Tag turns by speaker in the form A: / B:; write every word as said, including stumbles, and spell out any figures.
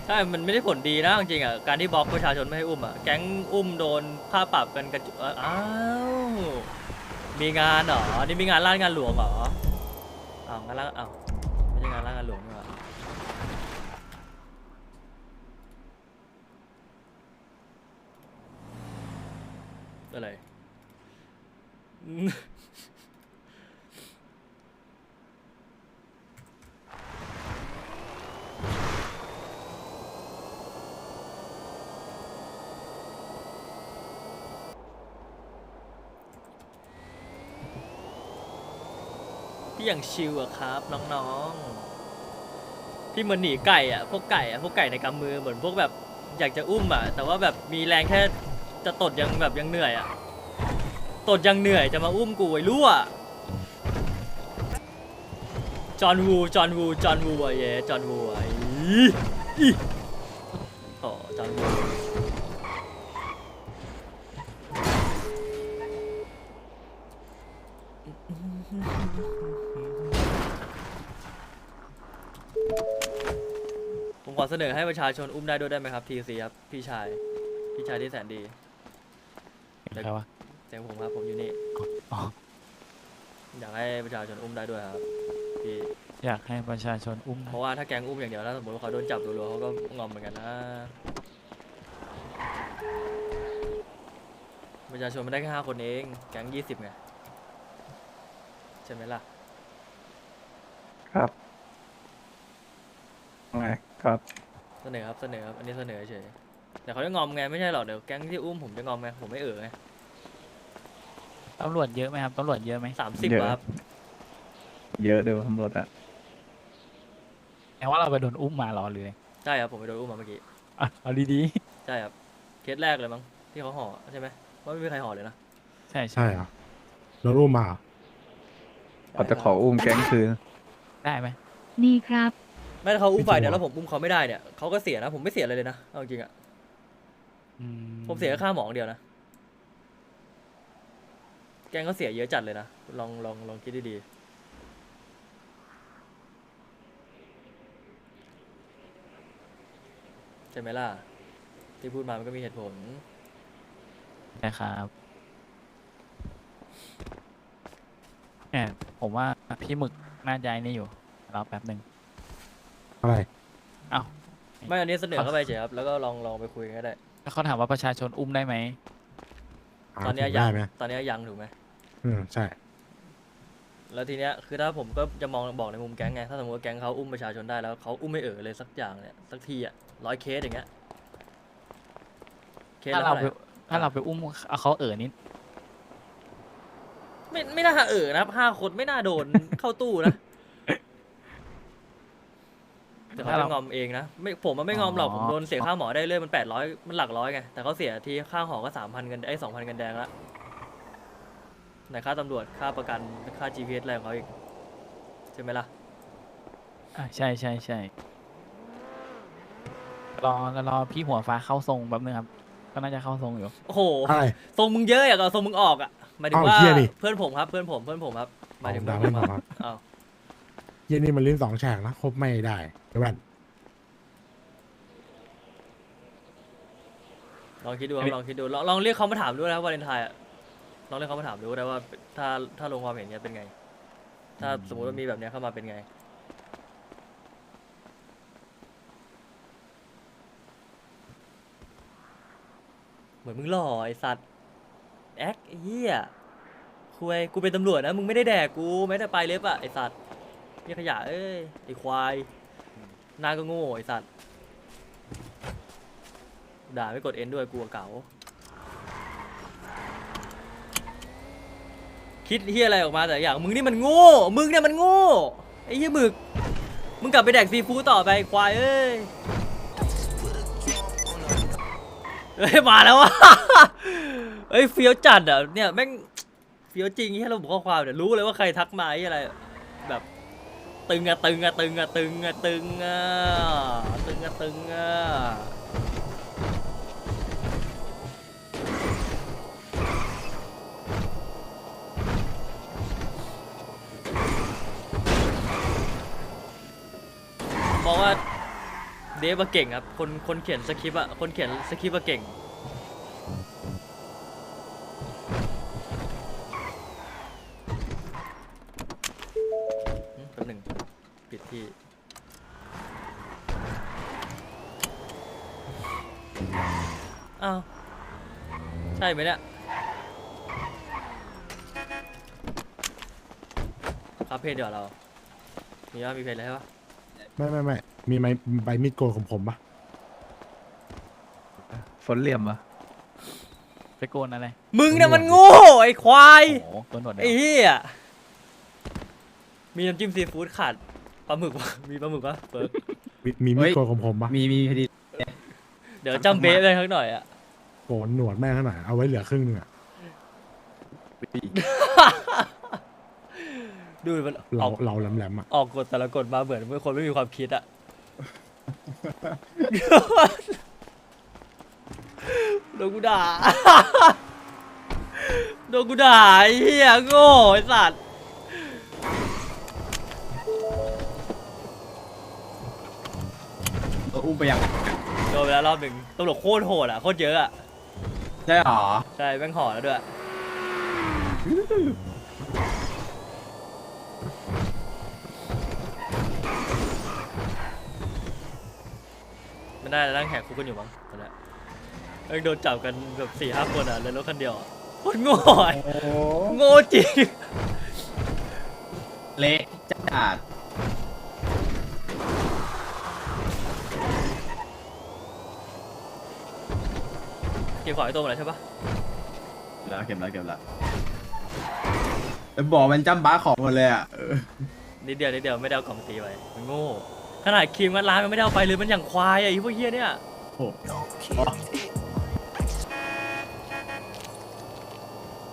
A: ใช่มันไม่ได้ผลดีนะจริงๆอ่ะการที่บล็อกประชาชนไม่ให้อุ้มอ่ะแก๊งอุ้มโดนค่าปรับกันกระจุอ้าวมีงานเหรอนี่มีงานร้านงานหลวงเหรออ้าวงานร้านอ้าวไม่ใช่งานร้านงานหลวงนี่หว่าอะไรพี่อย่างชิลอะครับน้องๆพี่เหมือนหนีไก่อะพวกไก่อะพวกไก่ในกำมือเหมือนพวกแบบอยากจะอุ้มอะแต่ว่าแบบมีแรงแค่จะตดยังแบบยังเหนื่อยอะตดยังเหนื่อยจะมาอุ้มกูไอ้รั่วจอห์นวูจอห์นวูจอห์นวูอะเย่จอห์นวูอะอีอีโอ้จอห์นวู ผมขอเสนอให้ประชาชนอุ้มได้ด้วยได้ไหมครับทีซีครับพี่ชายพี่ชายที่แสนดี
B: ใครวะ
A: เสียงผมครับผมอยู่นี่
B: อ๋อ
A: อยากให้ประชาชนอุ้มได้ด้วยครับพี่
B: อยากให้ประชาชนอุ้ม
A: เพราะว่าถ้าแก๊งอุ้มอย่างเดียวถ้าสมมติว่าเขาโดนจับรัวๆเขาก็งอมเหมือนกันนะประชาชนไม่ได้แค่ห้าคนเองแก๊งยี่สิบไงใช่ไหมล่ะ
C: ครับไงครับ
A: เสนอครับเสนอครับอันนี้เสนอเฉยแต่เขาจะงอมไงไม่ใช่หรอกเดี๋ยวแก๊งที่อุ้มผมจะงอมไงผมไม่เอ่อไง
B: ตำรวจเยอะไหมครับตำรวจเยอะไหม
A: สามสิบ
C: เยอะ
A: ครับ
C: เยอะเดี๋ยวตำรวจอะ
B: แต่ว่าเราไปโดนอุ้มมาเหรอหรือไง
A: ใช่ครับผมไปโดนอุ้มมาเมื่อกี้
B: อ่ะเอาดี
A: ใช่ครับเคสแรกเลยมั้งที่เขาห่อใช่ไหมว่าไม่มีใครห่อเลยนะ
B: ๆ ใช่ใช่
D: ใช่เหรอโดนอุ้มมาเหรอ
C: เขาจะขออุ้มแก๊งคืน
B: ได้ไหม
E: นี่ครับ
A: ไม่ถ้าเขาอุ้มฝ่ายเดียว
D: ไม่
A: แล้
D: จริง
A: วผมอุ้มเขาไม่ได้เนี่ยเขาก็เสียนะผมไม่เสียอะไรเลยนะเอาจริงๆอะ
B: อื
A: ผมเสียแค่ค่าหมออย่างเดียวนะแกงเขาเสียเยอะจัดเลยนะลองลองลองคิดดีๆใช่ไหมล่ะที่พูดมามันก็มีเหตุผล
B: ใช่ครับเนี่ยผมว่าพี่หมึกน่าใจนี่อยู่รอแป๊บหนึ่ง
D: อะไร
B: เอ้า
A: ไม่อันนี้เสนอเข้าไปเฉยครับแล้วก็ลองลองไปคุยกันก็ได้
B: แล้วเขาถามว่าประชาชนอุ้มได้ไหม
D: หา
A: ตอนเนี้ย
D: ถึง
A: ยั
D: ได้
A: ง
D: ไหม
A: ตอนเนี้ยยังถูกไหม
D: อืมใช่
A: แล้วทีเนี้ยคือถ้าผมก็จะมองบอกในมุมแก๊งไงถ้าสมมติว่าแก๊งเขาอุ้มประชาชนได้แล้วเขาอุ้มไม่เอ่อเลยสักอย่างเนี่ยสักทีอะร้อยเคสอย่างเงี้ยเคส
B: ถ้า
A: ละ
B: เรา
A: เท่าไห
B: ไป
A: ร่
B: ถ้าเราไปอุ้มเอาเขาเอ่อนิด
A: ไม่ไม่น่าเออนะครับห้าคนไม่น่าโดน เข้าตู้นะแต่เขาจะงอมเองนะไม่ผมมันไม่งอมหรอกผมโดนเสียค่าหมอได้เลยมันแปดร้อยมันหลักร้อยไงแต่เขาเสียทีค่าหอก็สามพันกันไอ้สองพันกันแดงละไหนค่าตำรวจค่าประกันค่า จี พี เอส อะไรของเขาอีกใช่ไหมล่ะ
B: อ่ะใช่ใช่ใช่รอรอพี่หัวฟ้าเข้าทรงแป๊บนึงครับก็น่าจะเข้าทรงอยู่
A: โอ้โห
D: อะไร
A: ทรงมึงเยอะอยากเอาทรงมึงออกอ่ะหมายถึง
D: เอ้า
A: ว่า
D: เหี้ยดิ
A: เพื่อนผมครับเพื่อนผมเพื่อนผมครับหมายถึง
D: เอา
A: เพื่อนผม
D: ด่าเพื่อนผม
A: ค
D: ครั
A: รับบ อ้าว
D: เย็นนี่มันลิ้นสองแฉกนะครบไม่ได้เดี๋ยวแว่น
A: ลองคิดดูครับลองคิดดูลองลองเรียกเขามาถามดูนะครับวาเลนไทน์อะลองเรียกเขามาถามดูก็ได้ว่าถ้าถ้าลงความเห็นเนี้ยเป็นไง ถ้าสมมติว่ามีแบบเนี้ยเข้ามาเป็นไง เหมือนมึงหล่อไอสัตว์แอคไอ้เหี้ยคุยกูเป็นตำรวจนะมึงไม่ได้แดกกูไม่ได้ไปเล็บอะไอสัตว์เหี้ยขยะเอ้ยไอควายหน้าก็โง่ไอสัตว์ด่าไม่กดเอ็นด้วยกูอะเก๋าคิดเหี้ยอะไรออกมาแต่อย่างมึงนี่มันโง่มึงเนี่ยมันโง่ไอ้เหี้ยหมึกมึงกลับไปแดกซีฟู้ดต่อไปไอ้ควายเอ้ยเฮ้ยมาแล้ววะ เฮ้ยเฟี้ยวจัดอ่ะเนี่ยแม่งเฟี้ยวจริงที่เราบอกข้อความเนี่ยรู้เลยว่าใครทักมาไอ้อะไรแบบตึงอะตึงอะตึงอะตึงอะตึงอะตึงอะตึงอะบอกว่าดฟอะเก่งครับคนคนเขียนสคริปต์อะคนเขียนสคริปต์อะเก่งอืมแป๊บหนึ่งปิดที่อ้าวใช่ไหมเนี่ยครับเพจเดี๋ยวเรามีว่ามีเพจอะไรใช่ปะ
D: ไม่ไม่ไม่มีไม้ใบมีดโกนของผมปะ
C: ฝนเหลี่ยมปะ
B: ไปโกนอะไร
A: มึงน่ะมันโง่ไอ้ควาย
B: โอ้โหโกนหนวดเดี
A: ไอ้
B: ยว
A: เหี้ยมีน้ำจิ้มซีฟู้ดขาดปลาหมึกปะมีปลาหมึกปะเปิร์ก
D: มีมีมีดโกนของผมปะ
E: มีมีพอดี
A: เดี๋ยวจำเบ๊ะไปข้างหน่อยอะ
D: โกนหนวดแม่งขนาดเอาไว้เหลือครึ่งหนึงอะ
A: ดูมันอ
D: เรา
A: อก
D: เราแหลมๆอะ
A: ออกกฎแต่ละกฎมาเหมือนเป็นคนไม่มีความคิดอะโดนกูด่าโดนกูด่าไอ้เหี้ยโง่ไอ้สัตว์
E: เอออุ้มไปยัง
A: โดนไปแล้วรอบหนึ่งตำรวจโคตรโหดอะโคตรเยอะอะ
E: ใช่หรอ
A: ใช่แม่งห่อแล้วด้วยไม่ได้นั่งแหกคุกกันอยู่มั้งตอนนี้เอ้ยโดนจับกันแบบสี่ห้าคนอ่ะเลยรถคันเดียวอะโคตรโง่อะ
E: โอ้
A: โง่จริง
E: เละจัด
A: เก็บของไอ้ตัวหมดแล้วใช่ปะ
E: แล้วเก็บแล้วเก็บแล้วแล้วบอกมันจำบ้าของหมดเลยอ่ะเออ
A: นิดเดียวนิดเดียวไม่ได้เอากล่องตีไปมันโง่ขนาดครีมงัดร้านมันไม่ได้เอาไปเลยมันอย่างควายอ่ะไอ้พวกเฮียเนี่ย
E: โอ้โห